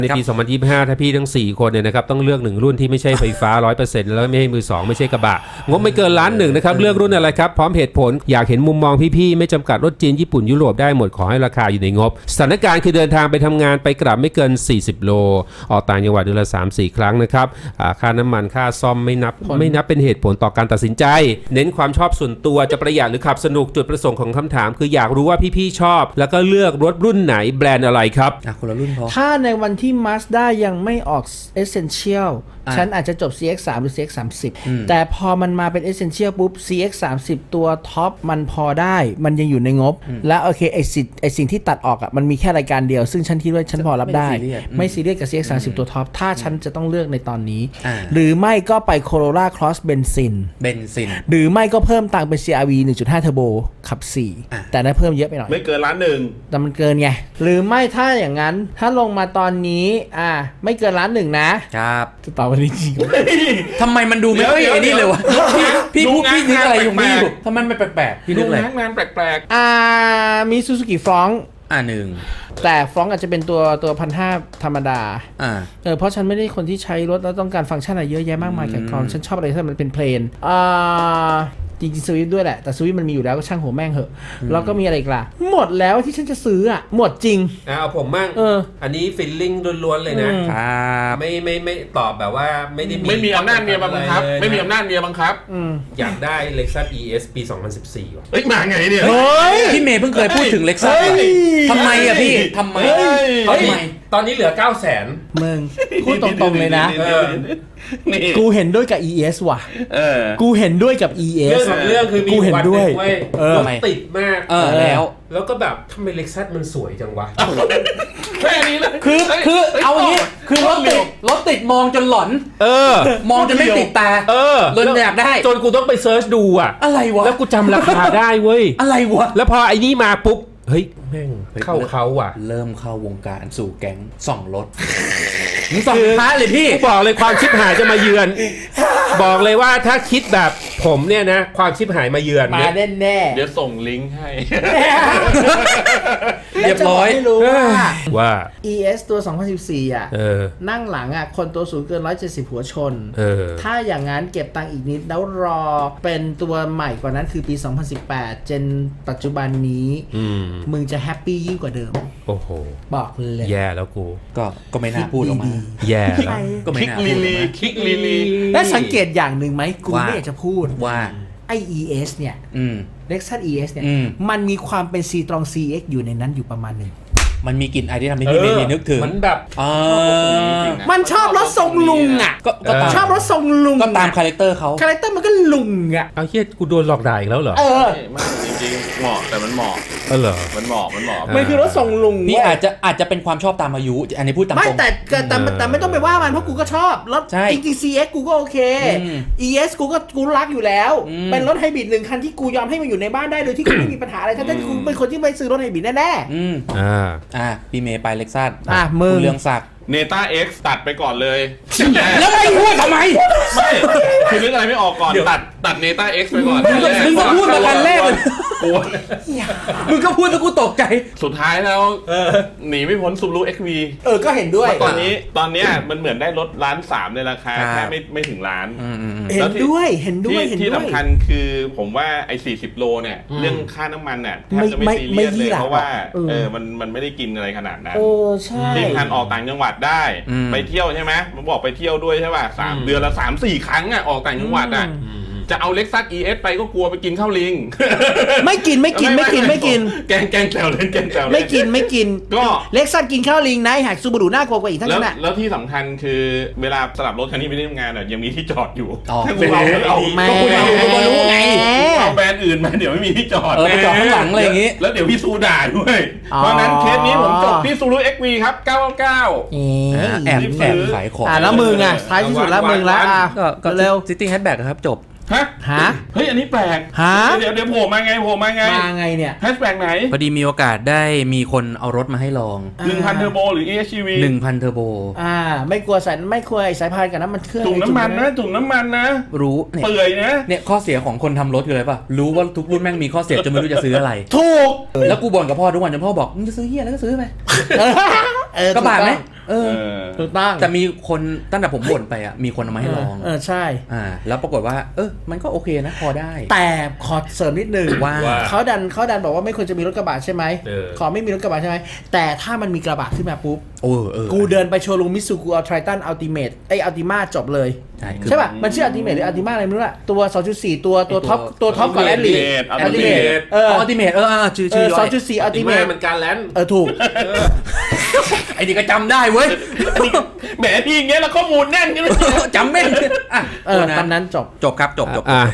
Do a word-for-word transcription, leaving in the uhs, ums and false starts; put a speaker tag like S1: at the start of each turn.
S1: ในปี สองพันยี่สิบห้า ถ้าพี่ทั้งสี่คนเนี่ยนะครับต้องเลือกหนึ่งรุ่นที่ไม่ใช่ไฟฟ้า ร้อยเปอร์เซ็นต์ แล้วไม่ใช่มือสองไม่ใช่กระบะงบไม่เกินล้านหนึ่งนะครับเลือกรุ่นอะไรครับพร้อมเหตุผลอยากเห็นมุมมองพี่ๆไม่จำกัดรถจีนญี่ปุ่นยุโรปได้หมดขอให้ราคาอยู่ในงบสถานการณ์คือเดินทางไปทำงานไปกลับไม่เกินสี่สิบโลออกต่างจังหวัดเดือนละ สามถึงสี่ ครั้งนะครับค่าน้ำมันค่าซ่อมไม่นับไม่นับเป็นเหตุผลต่อการตัดสินใจเน้นความชอบส่วนตัวจะประหยัดหรือขับสนุกจุดประสงค์ของคำถามคืออยากรู้ว่าพี่ๆชอบแล้วก็เลือกรถรุ่นไหนแบรนด์อะไรครับ
S2: อ่ะคนละรุ่นพอ
S3: ถ้าในวันที่ Mazda ยังไม่ออก Essential ฉันอาจจะจบ ซี เอ็กซ์ สาม หรือ ซี เอ็กซ์ สามสิบ แต่พอมันมาเป็น Essential ปุ๊บ ซี เอ็กซ์ สามสิบ ตัวท็อปมันพอได้มันยังอยู่ในงบและโอเคไอสิ่งไอสิ่งที่ตัดออกอ่ะมันมีแค่รายการเดียวซึ่งฉันคิดว่าฉันพอรับได้ไม่ซีเรียสกับ ซี เอ็กซ์ สามสิบ ตัวท็อปถ้าฉันจะต้องเลือกในตอนนี้หรือไม่ก็ไป Corolla Cross เบนซิน
S2: เบนซิน
S3: หรือไม่ก็เพิ่มตังค์เป็น ซี อาร์ วี หนึ่งจุดห้า Turbo ขับสี่แต่นั้นเพิ่มเยอะไปหน่อย
S4: ไม่เกินล้านหนึ่ง
S3: แต่มันเกินไงหรือไม่ถ้าอย่างนั้นถ้าลงมาตอนนี้อ่าไม่เกินล้านหนึ่งนะครับจะตอบวันนี้จริง
S2: ทำไมมันดูไม่ค่อยไอ้นี่เลยวะพี่พี่พูดพี่นึกอะไรอยู่ไม่อยู่ทำไมมันแปลกๆพี่นึกอะไร
S4: งานแปลก
S3: ๆอ่ามีซูซูกิฟรอง
S2: อ่าหนึ่ง
S3: แต่ฟรองอาจจะเป็นตัวตัวพันห้าธรรมดา
S2: อ่า
S3: เออเพราะฉันไม่ได้คนที่ใช้รถแล้วต้องการฟังก์ชันอะไรเยอะแยะมากมายแก่กรองฉันชอบอะไรที่มันเป็นเพลนอ่าจริงๆสวิฟด้วยแหละแต่สวิฟมันมีอยู่แล้วก็ช่างหัวแม่งเหอะแล้วก็มีอะไรอีกล่ะหมดแล้วที่ฉันจะซื้ออ่ะหมดจริง
S1: อ่าเอาผมมั่ง
S3: เออ
S1: อันนี้ฟิลลิ่งล้วนๆเลยนะครับไม่ไม่ไม่ตอบแบบว่าไม่ได้มี
S4: ไม่มีอำนาจเมียบังคับไม่มีอำนาจเมียบังคับ
S1: อยากได้ Lexus อี เอส ปี สองพันสิบสี่ว่ะ
S4: เฮ้ยมาไงเนี่ย
S2: พี่เมย์เพิ่งเคยพูดถึง Lexus ทำไมอ่ะพี่ทำไม
S1: ทำไมตอนนี้เหลือ เก้าแสน
S3: มึงพูดตรงๆเลยนะกูเห็นด้วยกับ อี เอส ว่ะกูเห็นด้วยกับ อี เอส
S1: เรื่องเรื่องคือมีวันหนึ่งเว้ยรถติดมาก
S2: แล้ว
S1: แล้วก็แบบทำไม Lexus มันสวยจังวะ
S4: แค่นี้เลย
S2: คือคือเอาอย่างนี้คือรถติดรถติดมองจนหลอน
S1: เออ
S2: มองจนไม่ติดตา
S1: เออ
S2: เลยอยากได้
S1: จนกูต้องไปเซิร์ชดูอ่ะ
S2: อะไรวะ
S1: แล้วกูจำราคาได้เว้ย
S2: อะไรวะ
S1: แล้วพอไอ้นี่มาปุ๊บเฮ้ยแม่งเข้าเขาว่ะ
S2: เริ่มเข้าวงการสู่แก๊งส่องรถมึงส่องท้าเลยพี่
S1: บอกเลยความชิบหายจะมาเยือนบอกเลยว่าถ้าคิดแบบผมเนี่ยนะความชิบหายมาเยือน
S3: มาแน่แน่
S4: เดี๋ยวส่งลิงก์ให้
S2: เรียบร้อย
S3: รู้ว่า
S1: ว่า
S3: อี เอส ตัวสองพันสิบสี่อ่ะนั่งหลังอ่ะคนตัวสูงเกินหนึ่งร้อยเจ็ดสิบหัวชนถ้าอย่างนั้นเก็บตังค์อีกนิดแล้วรอเป็นตัวใหม่กว่านั้นคือปีสองพันสิบแปดเจนปัจจุบันนี้มึงจะแฮปปี้ยิ่งกว่าเดิม
S1: โอ้โห
S3: บอกเลย
S1: แย่แล้วกู
S2: ก็ก็ไม่น่าพูดออกมา
S1: แย่แล้ว
S2: ก็ไม่น่าพูดออกมา
S4: คลิกลีลี
S3: และสังเกตอย่างหนึ่งไหมกูไม่อยากจะพูด
S2: ว่า
S3: ไอ อี เอส เนี่ย Lexus อี เอส เนี่ยมันมีความเป็น C-Tron ซี เอ็กซ์ อยู่ในนั้นอยู่ประมาณหนึ่ง
S2: มันมีกลิ่นไอที่ทำให้พี่เมย์นึกถึง
S1: มันแบบ
S3: มันชอบรถทรงลุงอ่ะก็ชอบรถทรงลุง
S2: ก็ตามคาแรคเตอร์เขา
S3: คาแรคเตอร์มันก็ลุงอ่ะ
S1: เอาเฮียกูโดนหลอกด่าอีกแล้วเหรอ
S3: เออ
S4: มันจริงๆเหมาะแต่มันเหมาะ
S1: เออเหรอ
S4: มันเหมาะมันเหมาะ
S3: มันคือรถทรงลุง
S2: นี่อาจจะอาจจะเป็นความชอบตามอายุอันนี้พูดตามตรง
S3: ไม่แต่แต่แต่ไม่ต้องไปว่ามันเพราะกูก็ชอบรถจริงๆ ซี เอ็กซ์ กูก็โอเค อี เอส กูก็กูรักอยู่แล้วเป็นรถไฮบริดหนึ่งคันที่กูยอมให้มันอยู่ในบ้านได้โดยที่กูไม่มีปัญหาอะไรทั้งที่กูเป็นคนที่ไม่ซื้อรถไฮบริดแน่
S2: ๆอืมอ่าอ่าพี่เมย์ไปเล็กซัส
S3: อ่ะมึง
S2: เรื่องศักดิ์
S4: เนต้า X ตัดไปก่อนเลย
S2: แล้วไม่พูดทำไม
S4: ไม่คือนึกอะไรไม่ออกก่อนตัดตัดเนต้า X ไปก่อน
S2: มึงก็พูดมาคันแรกเลยมึงก็พูดแล้วกูตกใจ
S4: สุดท้ายแล้วหนีไม่พ้น Subaru เอ็กซ์ วี
S3: เออก็เห็นด้วย
S4: ตอนนี้ตอนนี้มันเหมือนได้รถล้านสามในราคาแค่ไม่ไม่ถึงล้าน
S3: เห็นด้วยเห็นด้วย
S4: ที่สำคัญคือผมว่าไอ้สี่สิบโลเนี่ยเรื่องค่าน้ำมันเนี่ยแทบจะไม่ซีเรียสเลยเพราะว่าเออมันมันไม่ได้กินอะไรขนาดนั้น
S3: เออใช่
S4: ที่คันออกต่างจังหวัดได้ไปเที่ยวใช่ไหมผมบอกไปเที่ยวด้วยใช่ป่ะสามเดือนละสามสี่ครั้งอ่ะออกต่างจังหวัดอ่ะจะเอา Lexus อี เอส ไปก็กลัวไปกินข้าวลิง
S3: ไม่กินไม่กินไม่กินไม่กิน
S4: แกงแกงแซวเล่นแกงแซวเล่น
S3: ไม่กินไม่กินก็ Lexus กินข้าวลิงนะหักซูบารุน่ากลัวกว่าอีกทั้งนั้นแหละ
S4: แล้วที่สำคัญคือเวลาสลับรถคันนี้ไปที่ทำงานอ่ะยังมีที่จอดอยู่
S2: ถ้าคุณเอา
S4: เอา
S3: ไม่
S4: รู้ไงเอาแบรนด์อื่นมาเดี๋ยวไม่มีที่จอด
S2: ไปจอดข้างหลังอะไรอย่างงี้
S4: แล้วเดี๋ยวพี่ซูด่าด้วยเพราะนั้นเคสนี้ผมจบที่ Subaru เอ็กซ์ วี ครับเก้าเก้าเก้า
S2: แอบแอบขายของ
S3: อ่ะแล้วมึงอ่ะท้ายที่สุดแล้วมึงแล้วอ่ะ
S2: ก็เร็ว City Hatchback ครับจบ
S4: ฮะ
S3: ฮะ
S4: เฮ้ยอันนี้แปลก
S3: ฮะ
S4: เดี๋ยวเดี๋ยวโผล่มาไงโผล่มาไง
S3: มาไงเนี่ย
S4: แฮชแบ็กไหน
S2: พอดีมีโอกาสได้มีคนเอารถมาให้ลอง
S4: หนึ่งพัน เทอร์โบหรือ เอ เอส ซี วี
S2: หนึ่งพัน เทอร์โบ
S3: อ่าไม่กลัวสายไม่กลัวสายพานกับน้ำมันเครื่อง
S4: ถุงน้ำมันนะถุงน้ำมันนะ
S2: รู้
S4: เปื่อยนะ
S2: เนี่ยข้อเสียของคนทำรถคืออะไรป่ะรู้ว่าทุกรุ่นแม่งมีข้อเสียจนไม่รู้จะซื้ออะไร
S3: ถูก
S2: แล้วกูบ่นกับพ่อทุกวันจนพ่อบอกมึงจะซื้อเหี้ยแล้วก็ซื้อไปกระบะไหมเเออ
S4: เออ
S3: ถูกต้อง
S2: แต่มีคนตั้งแต่ผมบ่นไปอ่ะมีคนเอามาให้ลอง
S3: เออใช่
S2: อ่าแล้วปรากฏว่า เออมันก็โอเคนะพอได้
S3: แต่ขอเสริมนิดนึง
S2: ว่า
S1: ว่า
S3: เขาดันเขาดันบอกว่าไม่ควรจะมีรถกระบะใช่ไหม
S1: เออ
S3: ขอไม่มีรถกระบะใช่ไหมแต่ถ้ามันมีกระบะขึ้นมาปุ๊บ
S2: โอ้เออ
S3: กูเดินไปโชว์รูมมิซูกูเอาไททันอัลติเมทไออัลติมาจบเลย
S2: ใช่คือ
S3: ใช่ป่ะ มันชื่ออัลติเมทหรืออัลติมาอะไรไม่รู้อะตัว สองจุดสี่ ตัวตัวท็อปตัวท็อปของแอดลี
S4: Ultimate
S3: อัลติเมท
S4: Ultimate
S3: เออ
S2: อัลติเมทเอออ่าชื่อ
S3: เอ
S2: ชื่
S3: อ
S2: อ
S3: ส
S2: ย่
S3: อ
S2: อง ย
S3: จุดสี่อัลติเมท
S1: มันการแลน
S3: เออถูก
S2: ไอ้นี่ก็จำได้เว้ย
S4: แหมพี่อย่างเงี้ยแล้วข้อมูลแน่นกันเลย
S2: จำแม่นอ่ะ
S3: เออตามนั้นจบ
S2: จบครับจบจบ
S1: อ่ะ